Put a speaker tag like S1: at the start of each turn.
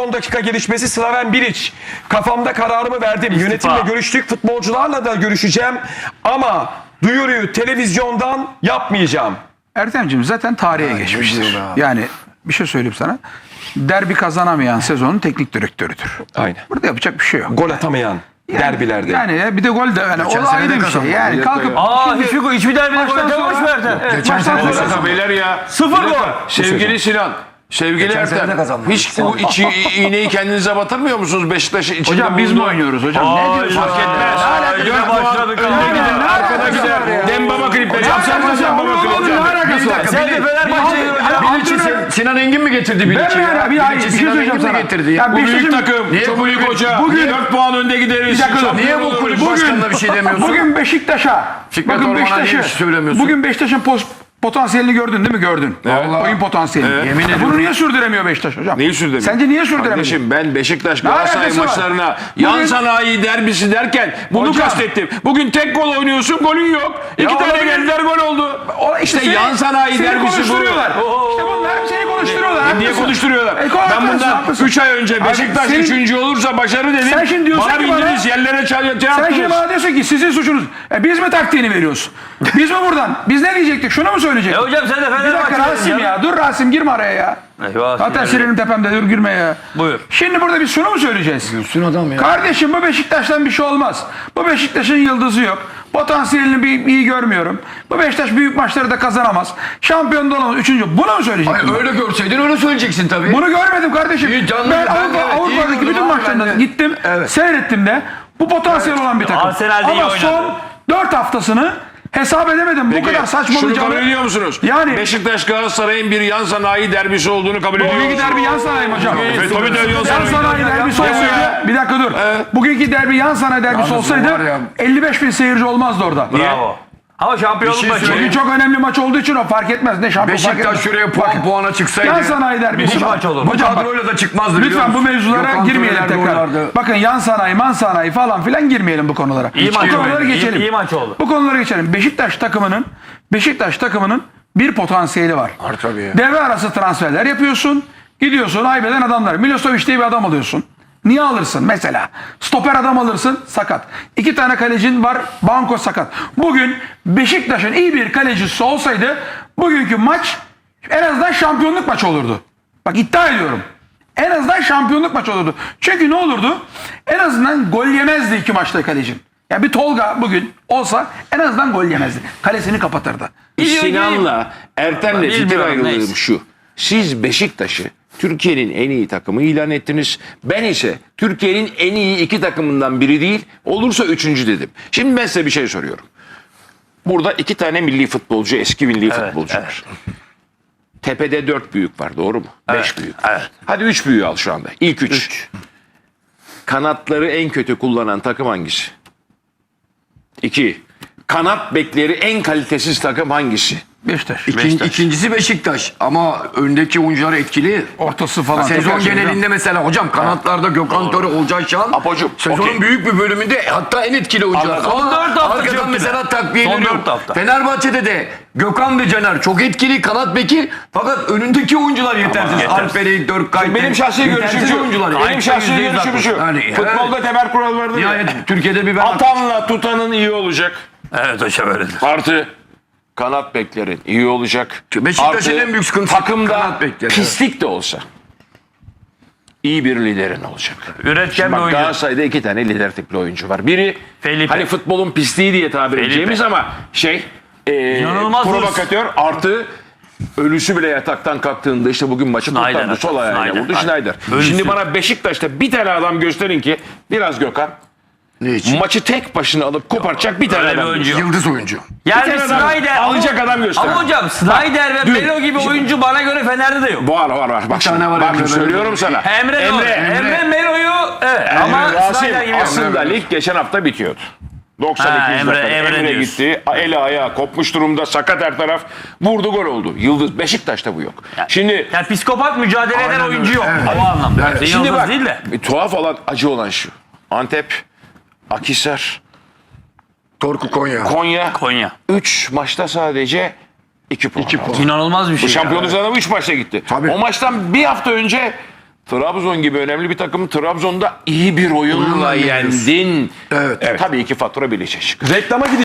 S1: son dakika gelişmesi Slaven Bilic. Kafamda kararımı verdim. Yönetimle görüştük. Futbolcularla da görüşeceğim. Ama duyuruyu televizyondan yapmayacağım.
S2: Ertemciğim zaten tarihe geçmiştir. Yani bir şey söyleyeyim sana. Derbi kazanamayan sezonun teknik direktörüdür.
S1: Aynen.
S2: Burada yapacak bir şey yok.
S1: Gol atamayan derbilerde.
S2: Yani bir de gol de yani o ayrı bir şey. Yani kalkıp
S3: hiçbir derbide gol
S2: Baştan
S3: atamamış
S2: sonra-
S3: mı Ertem?
S2: Geçen sene de kazandı.
S4: Beyler ya.
S3: 0 gol.
S4: Sevgili Sinan. Sevgili Ertem. Hiç bu iğneyi kendinize batırmıyor musunuz Beşiktaş'ın içinde?
S2: Hocam biz mi oynuyoruz hocam? Ne diyorsun?
S4: Fark etmez.
S3: Yine başladık.
S4: Arkada gider. Dembaba klipleri. Yapsanız Dembaba klipleri.
S3: Sen de Fenerbahçe'yi hocam.
S4: Sinan Engin mi getirdi
S2: Ben mi ya? Bir söyleyeceğim sana. Ya
S4: Bu büyük
S2: Beşiktaş'ın-
S4: takım. Çok büyük hoca.
S2: Bugün-
S4: 4 puan önde gideriz.
S2: Bir dakika dur.
S4: Niye bu kulüp başkanına bir şey demiyorsun?
S2: Bugün Beşiktaş'a.
S4: Fikret
S2: Bakın
S4: Orman'a niye bir şey söylemiyorsun?
S2: Bugün Beşiktaş'ın potansiyelini gördün değil mi? Gördün. Oyun potansiyelini.
S4: Yemin ediyorum.
S2: Bunu niye sürdüremiyor Beşiktaş hocam?
S4: Neyi sürdüremiyor?
S2: Sence niye sürdüremiyor?
S4: Kardeşim ben Beşiktaş
S2: Ne
S4: Galatasaray
S2: alakası var?
S4: maçlarına yan
S2: Bugün-
S4: sanayi derbisi derken bunu
S2: Hocam-
S4: kastettim. Bugün tek gol oynuyorsun, golün yok. İki tane
S2: olabilir.
S4: geldiler, gol oldu. İşte
S2: seni-
S4: yan sanayi
S2: seni
S4: derbisi bu.
S2: konuşturuyorlar. İşte bunlar seni konuşturuyorlar.
S4: Niye
S2: haklısın.
S4: konuşturuyorlar? Ben bundan
S2: haklısın.
S4: 3 ay önce Beşiktaş
S2: senin-
S4: 3. olursa başarı dedim.
S2: Sen şimdi diyorsun
S4: bana
S2: ki bana-
S4: bindiniz yerlere
S2: Sen şimdi
S4: yaptınız.
S2: bana diyorsun ki sizin suçunuz. Biz mi taktiğini veriyoruz? Biz mi buradan? Biz ne diyecektik? Şunu mu söyleyecektik?
S3: Hocam sen de
S2: Bir dakika
S3: Fenerbahçe'yi
S2: Rasim ya. Dur Rasim girme araya ya.
S3: Eyvah.
S2: Zaten sinirim tepemde, dur girme ya.
S3: Buyur.
S2: Şimdi burada biz şunu mu söyleyeceğiz?
S4: Gülsün adam ya.
S2: Kardeşim bu Beşiktaş'tan bir şey olmaz. Bu Beşiktaş'ın yıldızı yok. Potansiyelini iyi görmüyorum. Bu Beşiktaş büyük maçları da kazanamaz. Şampiyon da olamaz. Üçüncü. Bunu mu söyleyecektim?
S5: Öyle görseydin öyle söyleyeceksin tabii.
S2: Bunu görmedim kardeşim.
S5: İyi, canlı
S2: Ben
S5: ben de, evet, iyi
S2: Avrupa'daki
S5: gördüm
S2: bütün
S5: abi,
S2: maçlarına
S5: ben de.
S2: gittim. Seyrettim de. Bu potansiyel olan bir takım.
S3: Arsenal'de iyi
S2: Ama
S3: oynadı.
S2: son 4 haftasını hesap edemedim. Bu kadar
S4: Şunu
S2: saçmalayacağını.
S4: kabul ediyor musunuz?
S2: Yani-
S4: Beşiktaş Galatasaray'ın bir yan sanayi derbisi olduğunu kabul ediyor
S2: Bugünkü
S4: musunuz?
S2: derbi yan sanayi mi hocam?
S4: Tabii de yan
S2: Yan
S4: sanayi.
S2: sanayi derbisi olsaydı, bir dakika dur. Bugünkü derbi yan sanayi derbisi olsaydı 55 bin seyirci olmazdı orada.
S3: Bravo. Ama şampiyonluk maçı.
S2: Bugün çok önemli maç olduğu için o fark etmez. Ne şampiyon fark etmez.
S5: Beşiktaş şuraya puana çıksaydı.
S2: Yan sanayi derbisi.
S3: Müthiş maç olur.
S5: Bu
S2: Hocam bak,
S5: kadroyla da çıkmazdı. biliyor
S2: lütfen bu
S5: musun?
S2: mevzulara
S5: Gökhan
S2: girmeyelim
S5: Töre'ler de
S2: tekrar.
S5: oynardı.
S2: Bakın yan sanayi, man sanayi falan filan girmeyelim bu konulara.
S3: İyi
S2: Bu
S3: maç
S2: konuları
S3: oldu.
S2: geçelim.
S3: İyi maç oldu.
S2: Bu konuları geçelim. Beşiktaş takımının bir potansiyeli var.
S5: Var tabii ya.
S2: Devre arası transferler yapıyorsun. Gidiyorsun haybeden adamlar. Milosevic diye bir adam alıyorsun. Niye alırsın mesela? Stoper adam alırsın, sakat. 2 tane kalecin var, banko sakat. Bugün Beşiktaş'ın iyi bir kalecisi olsaydı bugünkü maç en azından şampiyonluk maçı olurdu. Bak iddia ediyorum. En azından şampiyonluk maçı olurdu. Çünkü ne olurdu? En azından gol yemezdi 2 maçta kalecin. Ya bir Tolga bugün olsa en azından gol yemezdi. Kalesini kapatırdı.
S4: Sinan'la Ertem'le fikir
S3: Bilmiyorum,
S4: ayrılığım
S3: neyse.
S4: şu. Siz Beşiktaş'ı Türkiye'nin en iyi takımı ilan ettiniz. Ben ise Türkiye'nin en iyi 2 takımından biri değil, olursa 3. dedim. Şimdi ben size bir şey soruyorum. Burada 2 tane milli futbolcu, eski milli futbolcu var. Tepede 4 büyük var, doğru mu? 5 büyük.
S3: Evet.
S4: Hadi 3 büyüğü al şu anda. İlk 3. Kanatları en kötü kullanan takım hangisi? 2. Kanat bekleri en kalitesiz takım hangisi?
S2: Beşiktaş.
S5: İkincisi Beşiktaş ama öndeki oyuncular etkili.
S2: Ortası falan.
S5: Sezon
S2: Tekrar
S5: genelinde mesela hocam kanatlarda Gökhan Töre, Olcay Şahan.
S4: Apocuğum,
S5: Sezonun
S4: okey.
S5: büyük bir bölümünde hatta en etkili oyuncular.
S4: Anladım.
S5: Ama
S3: Son 4 hafta
S5: arkadan
S3: çok
S5: mesela
S3: güzel.
S5: takviye
S3: Son
S5: dönüyor.
S3: 4 hafta.
S5: Fenerbahçe'de de Gökhan ve Caner çok etkili kanat beki fakat önündeki oyuncular yetersiz. Alper'i, Dörkkayt'ı.
S4: Benim şahsi görüşüm şu.
S5: oyuncular.
S4: Benim şahsi görüşüm şu.
S5: Yani,
S4: Futbolda temel kural vardır ya.
S5: Nihayet Türkiye'de bir ben
S4: Atanla tutanın iyi olacak.
S3: Evet hocam öyledir.
S4: Artı kanat beklerin iyi olacak.
S5: Beşiktaş'ın
S4: Artı
S5: en büyük sıkıntısı
S4: takımda
S5: kanat bekleri.
S4: pislik de olsa iyi bir liderin olacak.
S3: Üretken bir
S4: Bak
S3: oyuncu.
S4: Galatasaray'da 2 tane lider tipli oyuncu var. Biri
S3: Felipe.
S4: hani futbolun pisliği diye tabir
S3: Felipe.
S4: edeceğimiz ama
S3: İnanılmaz
S4: provokatör artı ölüsü bile yataktan kalktığında işte bugün maçı
S3: Schneider
S4: kurtardı. Sol ayağıyla
S3: Schneider.
S4: vurdu Schneider.
S3: Ölüsü.
S4: Şimdi bana Beşiktaş'ta bir tane adam gösterin ki biraz Gökhan
S5: Ne için?
S4: maçı tek başına alıp kopartacak bir tane
S3: Öyle bir
S4: adam.
S3: oyuncu yok.
S5: Yıldız oyuncu.
S3: Yani
S4: Bir tane adam
S3: Snyder
S4: alacak adam göster.
S3: Ama hocam Snyder ve
S4: Dün-
S3: Melo gibi oyuncu bana göre Fener'de de yok.
S4: Var. Bak şimdi,
S5: tane var
S4: bakın
S5: Emre,
S4: söylüyorum sana.
S3: Emre Melo'yu evet ama
S4: Rasim
S3: Snyder gibi
S4: aslında
S3: yok.
S4: lig geçen hafta bitiyordu. 92
S3: Ha, Emre
S4: Emre
S3: diyorsun.
S4: gitti. Eli ayağı kopmuş durumda. Sakat her taraf. Vurdu gol oldu. Yıldız. Beşiktaş'ta bu yok. Şimdi
S3: Yani psikopat mücadele eden oyuncu yok.
S5: Evet.
S3: O anlamda.
S4: şimdi
S3: Yıldız
S4: bak
S3: değil de.
S4: bir tuhaf olan acı olan şu. Antep, Akhisar,
S5: Torku Konya.
S3: Konya.
S4: 3 maçta sadece 2 puan.
S3: İnanılmaz bir şey.
S4: Bu şampiyonluk sıralama 3 maçta gitti.
S5: Tabii.
S4: O maçtan bir hafta önce Trabzon gibi önemli bir takım Trabzon'da iyi bir oyunla yendin.
S5: Evet.
S4: Tabii ki fatura bileşecek.
S1: Reklama gideceğiz.